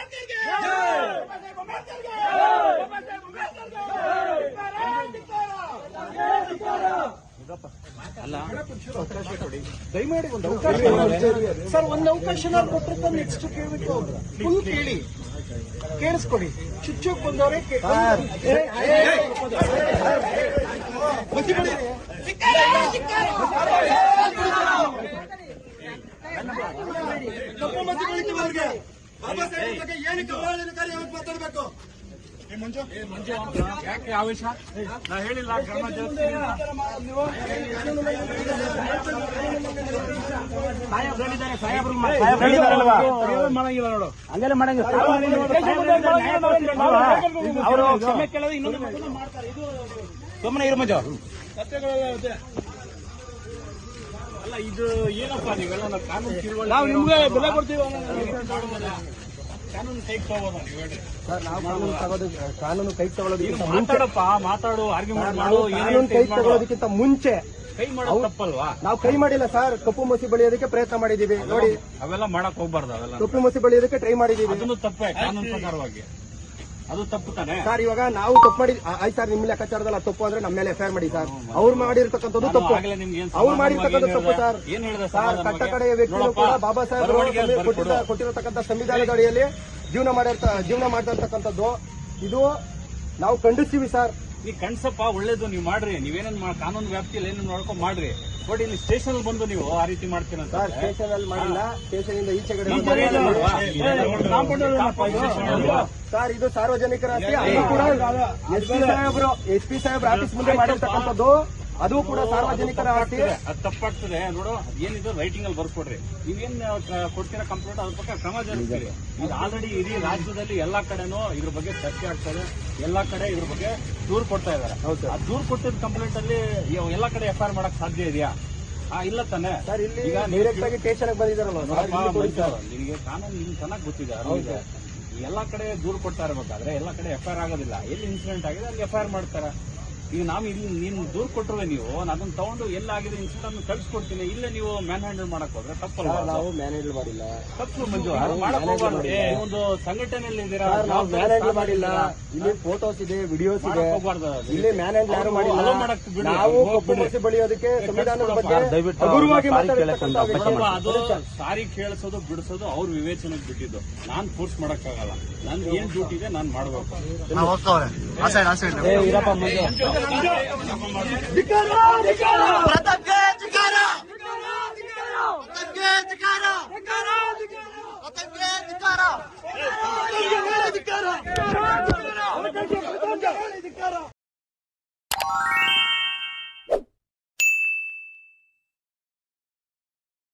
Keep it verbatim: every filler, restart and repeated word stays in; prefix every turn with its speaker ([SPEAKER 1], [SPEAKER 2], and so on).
[SPEAKER 1] ಅಲ್ಲ ಅವಕಾಶ ಕೊಡಿ ದಯಮಾಡಿ ಒಂದು ಅವಕಾಶ ಸರ್. ಒಂದು ಅವಕಾಶ ಕೊಟ್ಟರೆ ನೆಕ್ಸ್ಟ್ ಕೇಳ್ಬಿಟ್ಟು ಫುಲ್ ಕೇಳಿ ಕೇಳಿಸ್ಕೊಡಿ. ಚುಚ್ಚೋಕ್ ಬಂದವರೇ
[SPEAKER 2] ಕಪ್ಪು ಮತಿ ಬೆಳಿತೀವವ್ರಿಗೆ ಬಾಬಾ ಸಾಹೇಬ್ ಬಗ್ಗೆ ಏನಕ್ಕೆ ಅವಹೇಳನಕಾರಿ ಯಾವತ್ತು ಮಾತಾಡಬೇಕು?
[SPEAKER 3] ಯಾಕೆ ಆವೇಶ? ನಾ ಹೇಳಿಲ್ಲ ಕ್ರಮ ಮಾಡಂಗಿಲ್ಲ ನೋಡು, ಹಂಗೆಲ್ಲ ಮಾಡಂಗಿಲ್ಲ. ಅವರು ಕ್ಷಮೆ ಕೇಳೋದು ಇನ್ನೊಂದು ಮಾಡ್ತಾರೆ. ಇದು ಸುಮ್ಮನೆ ಇರು ಮಂಜು. ಅಲ್ಲ ಇದು ಏನಪ್ಪಾ ನೀವೆಲ್ಲ ಕಾನೂನು ತಿಳುವಳಿ ನಾವು ನಿಮ್ಗೆ ಬೆಲೆ ಕೊಡ್ತೀವಿ. ಕಾನೂನು ಕೈ ತಗೋಬೋದ ನೀವು ಹೇಳಿ
[SPEAKER 1] ಸರ್? ನಾವು ಕಾನೂನು ತಗೋದು ಕಾನೂನು ಕೈ ತಗೊಳ್ಳೋದಕ್ಕಿಂತ
[SPEAKER 3] ಮಾತಾಡಪ್ಪ ಮಾತಾಡು ಆರ್ಗ್ಯುಮೆಂಟ್ ಮಾಡು.
[SPEAKER 1] ಕಾನೂನು ಕೈ ತಗೊಳ್ಳೋದಕ್ಕಿಂತ ಮುಂಚೆ
[SPEAKER 3] ಕೈ ಮಾಡೋದು ತಪ್ಪಲ್ವಾ?
[SPEAKER 1] ನಾವು ಕೈ ಮಾಡಿಲ್ಲ ಸರ್. ಕಪ್ಪು ಮಸಿ ಬಳಿಯೋದಕ್ಕೆ ಪ್ರಯತ್ನ ಮಾಡಿದೀವಿ ನೋಡಿ.
[SPEAKER 3] ಅವೆಲ್ಲ ಮಾಡಕ್ ಹೋಗ್ಬಾರ್ದು. ಅವೆಲ್ಲ
[SPEAKER 1] ಕಪ್ಪು ಮಸಿ ಬಳಿಯೋದಕ್ಕೆ ಟ್ರೈ ಮಾಡಿದೀವಿ.
[SPEAKER 3] ಅದನ್ನು ತಪ್ಪೇ ಕಾನೂನು ಪ್ರಕಾರವಾಗಿ. ಅದು ತಪ್ಪು ತಾನೆ
[SPEAKER 1] ಸರ್. ಇವಾಗ ನಾವು ತಪ್ಪು ಮಾಡಿ ಆಯ್ತು ಸರ್. ನಿಮ್ಮ ಲೆಕ್ಕಾಚಾರದಲ್ಲ ತಪ್ಪು ಅಂದ್ರೆ ನಮ್ಮ ಮೇಲೆ ಎಫ್ಐಆರ್ ಮಾಡಿ ಸರ್. ಅವ್ರು ಮಾಡಿರ್ತಕ್ಕಂಥದ್ದು ತಪ್ಪು. ಅವ್ರು ಮಾಡಿರ್ತಕ್ಕಂಥ ತಪ್ಪು ಸರ್. ಸರ್ ಕಟ್ಟ ಕಡೆಯ ವ್ಯಕ್ತಿಗಳು ಕೂಡ ಬಾಬಾ ಸಾಹೇಬ್ ಕೊಟ್ಟಿರತಕ್ಕಂಥ ಸಂವಿಧಾನದ ಅಡಿಯಲ್ಲಿ ಜೀವನ ಮಾಡಿರ್ತ ಜೀವನ ಮಾಡಿರ್ತಕ್ಕಂಥದ್ದು ಇದು ನಾವು ಖಂಡಿಸ್ತೀವಿ ಸರ್.
[SPEAKER 3] ನೀವು ಕಣ್ಸಪ್ಪ ಒಳ್ಳೇದು, ನೀವು ಮಾಡ್ರಿ. ನೀವೇನೇನು ಕಾನೂನು ವ್ಯಾಪ್ತಿಯಲ್ಲಿ ಏನು ನೋಡ್ಕೊಂಡು ಮಾಡ್ರಿ. ಬಟ್ ಇಲ್ಲಿ ಸ್ಟೇಷನ್ ಬಂದು ನೀವು ಆ ರೀತಿ ಮಾಡ್ತೀರ
[SPEAKER 1] ಸರ್. ಸ್ಟೇಷನ್ ಅಲ್ಲಿ ಮಾಡಿಲ್ಲ. ಸ್ಟೇಷನ್ ಇಂದ ಈಚೆ ಕಡೆ ಸರ್. ಇದು ಸಾರ್ವಜನಿಕರ ಆಸ್ತಿ. ಅದು ಕೂಡ ಎಸ್ ಪಿ ಸಾಹೇಬ್ರು ಎಸ್ ಪಿ ಸಾಹೇಬ್ರ ಆಫೀಸ್ ಮುಂದೆ ಮಾಡಿರ್ತಕ್ಕಂಥದ್ದು. ಅದು ಕೂಡ ಸಾರ್ವಜನಿಕರ ಆಸ್ತಿ.
[SPEAKER 3] ಅದು ತಪ್ಪಾಗ್ತದೆ ನೋಡು. ಏನಿದೆ ರೈಟಿಂಗ್ ಅಲ್ಲಿ ಬರ್ಕೊಡ್ರಿ. ನೀವೇನ್ ಕೊಡ್ತೀರಾ ಕಂಪ್ಲೇಂಟ್, ಅದ್ರ ಬಗ್ಗೆ ಕ್ರಮ ಜರುಗಿಸ್ತೀರಿ. ಇದು ಆಲ್ರೆಡಿ ಇಡೀ ರಾಜ್ಯದಲ್ಲಿ ಎಲ್ಲಾ ಕಡೆನೂ ಇದ್ರ ಬಗ್ಗೆ ಚರ್ಚೆ ಆಗ್ತದೆ. ಎಲ್ಲಾ ಕಡೆ ಇದ್ರ ಬಗ್ಗೆ ದೂರು ಕೊಡ್ತಾ ಇದಾರೆ. ಆ ದೂರು ಕೊಟ್ಟಿದ್ದ ಕಂಪ್ಲೇಂಟ್ ಅಲ್ಲಿ ಎಲ್ಲಾ ಕಡೆ ಎಫ್ಐಆರ್ ಮಾಡಕ್ ಸಾಧ್ಯ ಇದೆಯಾ? ಹಾ ಇಲ್ಲ ತಾನೆ
[SPEAKER 1] ಸರ್. ಇಲ್ಲಿ ಈಗ ಡೈರೆಕ್ಟ್ ಆಗಿ ಸ್ಟೇಷನ್ ಬಂದಿದ್ದಾರಲ್ಲ
[SPEAKER 3] ನಿಮಗೆ ಕಾನೂನು ನಿಮ್ಗೆ ಚೆನ್ನಾಗಿ ಗೊತ್ತಿದೆ. ಎಲ್ಲಾ ಕಡೆ ದೂರು ಕೊಡ್ತಾ ಇರಬೇಕಾದ್ರೆ ಎಲ್ಲಾ ಕಡೆ ಎಫ್ಐಆರ್ ಆಗೋದಿಲ್ಲ. ಎಲ್ಲಿ ಇನ್ಸಿಡೆಂಟ್ ಆಗಿದೆ ಅಲ್ಲಿ ಎಫ್ಐಆರ್ ಮಾಡ್ತಾರೆ. ಈಗ ನಾವು ಇಲ್ಲಿ ನೀನು ದೂರು ಕೊಟ್ಟರೆ ನೀವು ಅದನ್ನ ತಗೊಂಡು ಎಲ್ಲಾಗಿದೆ ಇನ್ಸಿಡೆಂಟ್ ಅನ್ನು ಕಳ್ಸಿಕೊಡ್ತೀನಿ. ಇಲ್ಲೇ ನೀವು ಮ್ಯಾನ್ ಹ್ಯಾಂಡಲ್ ಮಾಡಕ್ ಹೋದ್ರೆ ತಪ್ಪಲ್ಲ.
[SPEAKER 1] ನಾವು ಮ್ಯಾನ್ ಹ್ಯಾಂಡಲ್ ಮಾಡಿಲ್ಲ.
[SPEAKER 3] ತಪ್ಪು ಮಂಜು. ಮಾಡಕ್ ಹೋಗ್ಬಾರ್ದು. ಒಂದು ಸಂಘಟನೆಯಲ್ಲಿ ಇದ್ದೀರಾ,
[SPEAKER 1] ನಾವು ಮ್ಯಾನ್ ಹ್ಯಾಂಡಲ್ ಮಾಡಿಲ್ಲ. ಇಲ್ಲಿ ಫೋಟೋಸ್ ಇದೆ, ವಿಡಿಯೋಸ್ ಇದೆ. ಇಲ್ಲಿ ಮ್ಯಾನ್ ಹ್ಯಾಂಡಲ್ ಯಾರು ಮಾಡಿಲ್ಲ. ನಾವು ಕಪ್ಪು ಮಸಿ ಬಳಿಯೋದಕ್ಕೆ ಸಂವಿಧಾನದ ಬಗ್ಗೆ ಹಗುರವಾಗಿ
[SPEAKER 3] ಅದು ಸಾರಿ ಕೇಳಿಸೋದು ಬಿಡಿಸೋದು ಅವ್ರ ವಿವೇಚನೆಗೆ ಬಿಟ್ಟಿದ್ದು. ನಾನ್ ಫೋರ್ಸ್ ಮಾಡಕ್ಕಾಗಲ್ಲ. ನನ್ ಏನ್ ಡ್ಯೂಟಿ ಇದೆ ನಾನ್ ಮಾಡ್ಬೇಕು.
[SPEAKER 2] ಪ್ರತಾಪ್ಗೆ ಧಿಕ್ಕಾರ! ಪ್ರತಾಪ್ಗೆ ಧಿಕ್ಕಾರ! ಪ್ರತಾಪ್ಗೆ ಧಿಕ್ಕಾರ!